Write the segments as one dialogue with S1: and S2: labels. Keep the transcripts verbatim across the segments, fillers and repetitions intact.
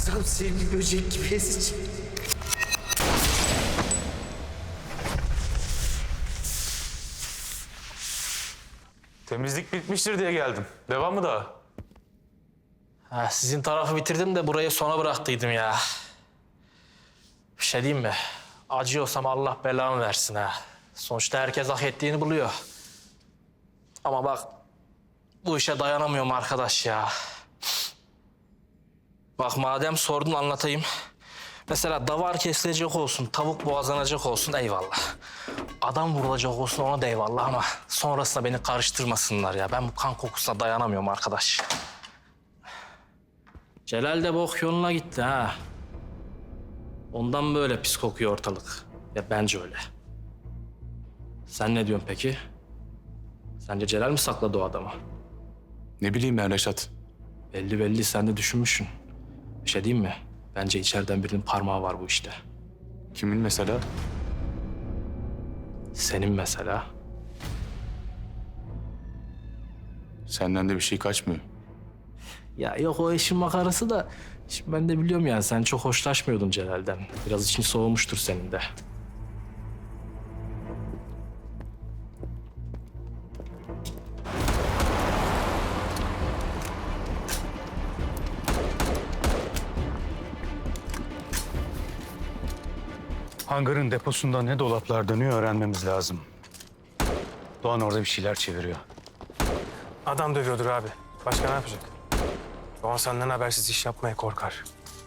S1: Tam sevimli böcek gibi ezici.
S2: Temizlik bitmiştir diye geldim. Devam mı daha?
S3: Ha, sizin tarafı bitirdim de burayı sona bıraktıydım ya. Bir şey diyeyim mi? Acıyorsam Allah belamı versin ha. Sonuçta herkes hak ettiğini buluyor. Ama bak bu işe dayanamıyorum arkadaş ya. Bak madem sordun anlatayım. Mesela davar kesilecek olsun, tavuk boğazlanacak olsun eyvallah. Adam vurulacak olsun ona da eyvallah ama sonrasında beni karıştırmasınlar ya. Ben bu kan kokusuna dayanamıyorum arkadaş. Celal de bok yoluna gitti ha. Ondan böyle pis kokuyor ortalık. Ya bence öyle. Sen ne diyorsun peki? Sence Celal mi sakladı o adamı?
S2: Ne bileyim ben Reşat.
S3: Belli belli sen de düşünmüşsün. Bir şey diyeyim mi? Bence içeriden birinin parmağı var bu işte.
S2: Kimin mesela?
S3: Senin mesela.
S2: Senden de bir şey kaçmıyor.
S3: Ya yok o işin makarası da... Şimdi ben de biliyorum yani sen çok hoşlaşmıyordun Celal'den. Biraz için soğumuştur senin de.
S4: Hangarın deposunda ne dolaplar dönüyor öğrenmemiz lazım. Doğan orada bir şeyler çeviriyor.
S5: Adam dövüyordur abi. Başka ne yapacak? Doğan senden habersiz iş yapmaya korkar.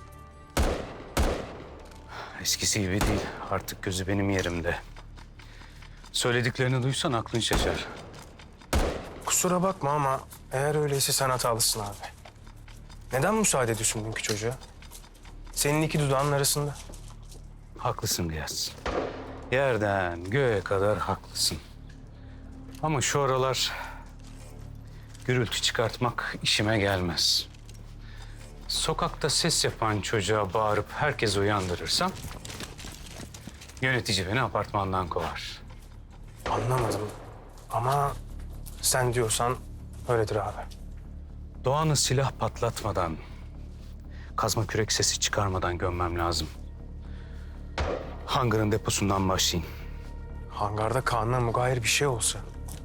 S4: Eskisi gibi değil. Artık gözü benim yerimde. Söylediklerini duysan aklın şaşar.
S5: Kusura bakma ama eğer öyleyse sen hatalısın abi. Neden müsaade ediyorsun dünkü çocuğa? Senin iki dudağının arasında.
S4: Haklısın Gıyas. Yerden göğe kadar haklısın. Ama şu aralar gürültü çıkartmak işime gelmez. Sokakta ses yapan çocuğa bağırıp herkesi uyandırırsam yönetici beni apartmandan kovar.
S5: Anlamadım. Ama sen diyorsan öyledir abi.
S4: Doğan'ı silah patlatmadan, kazma kürek sesi çıkarmadan gömmem lazım. Hangarın deposundan başlayın.
S5: Hangarda Kaan'la mugayir bir şey olsa.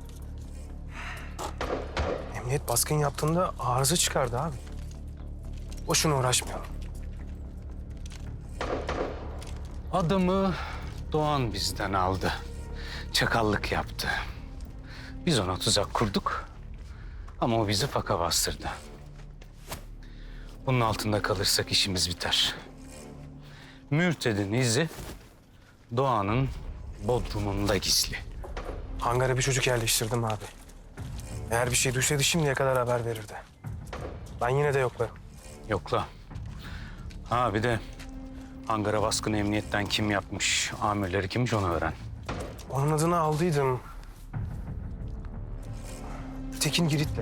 S5: Emniyet baskın yaptığında arıza çıkardı abi. Boşuna uğraşmayalım.
S4: Adamı Doğan bizden aldı. Çakallık yaptı. Biz ona tuzak kurduk. Ama o bizi faka bastırdı. Bunun altında kalırsak işimiz biter. Mürted'in izi Doğan'ın bodrumunda gizli.
S5: Hangara bir çocuk yerleştirdim abi. Eğer bir şey duysaydı şimdiye kadar haber verirdi. Ben yine de yoklarım.
S4: Yokla. Ha bir de hangara baskını emniyetten kim yapmış, amirleri kimmiş onu öğren.
S5: Onun adını aldıydım. Tekin Girit'le.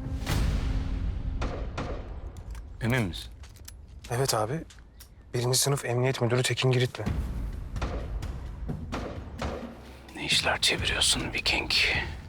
S4: Emin misin?
S5: Evet abi. Birinci sınıf emniyet müdürü Tekin Girit'le.
S4: Ne işler çeviriyorsun Viking?